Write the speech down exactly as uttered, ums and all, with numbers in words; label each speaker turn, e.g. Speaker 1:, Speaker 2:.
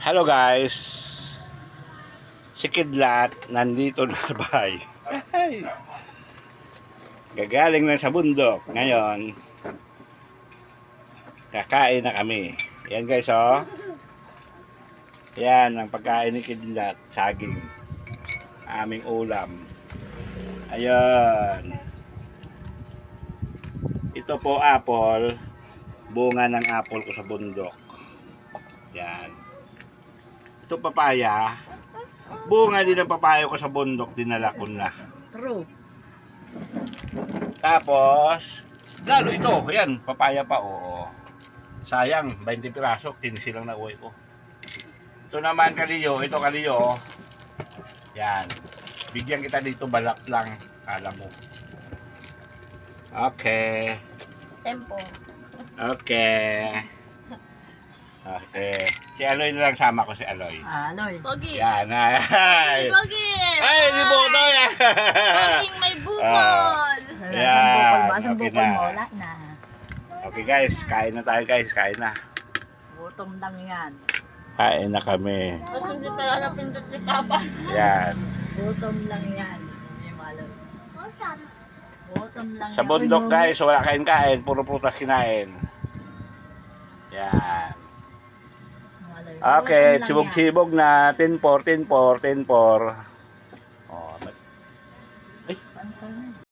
Speaker 1: Hello guys, si Kidlat nandito na bay. Gagaling na sa bundok. Ngayon kakain na kami. Yan guys, oh. Yan ang pagkain ni Kidlat. Saging, aming ulam. Ayun. Ito po apple. Bunga ng apple ko sa bundok. Yan. Ito papaya. Bunga din ng papaya ko sa bundok, dinala ko na.
Speaker 2: True.
Speaker 1: Tapos, lalo ito, yan, papaya pa, oo. Sayang, twenty piraso, tinisi lang na uwi ko. Ito naman kaliyo, ito kaliyo. Yan. Bigyan kita dito, balak lang, kala mo. Okay.
Speaker 2: Tempo.
Speaker 1: Okay. Okay. Si Aloy na lang, sama ko si Aloy.
Speaker 2: Ah, Aloy.
Speaker 3: Pogi.
Speaker 1: Yan, ay.
Speaker 3: Pogi.
Speaker 1: Ay, di po ito yan.
Speaker 3: Poging may bukol.
Speaker 1: Yan,
Speaker 2: Masang
Speaker 1: okay
Speaker 2: bukol
Speaker 1: na.
Speaker 2: mo, wala na.
Speaker 1: Okay guys, kain na tayo guys, kain na.
Speaker 2: Gutom lang yan.
Speaker 1: Kain na kami.
Speaker 3: Mas hindi pala napindot si Papa.
Speaker 1: Yan.
Speaker 2: Gutom lang yan. Hindi mo alam. Gutom lang
Speaker 1: Sa
Speaker 2: yan.
Speaker 1: bundok guys, wala kain-kain, puro prutas kinain. Yan.
Speaker 2: Malay.
Speaker 1: Okay,
Speaker 2: Gutom lang
Speaker 1: sibog-sibog na, ten four, ten four, ten four.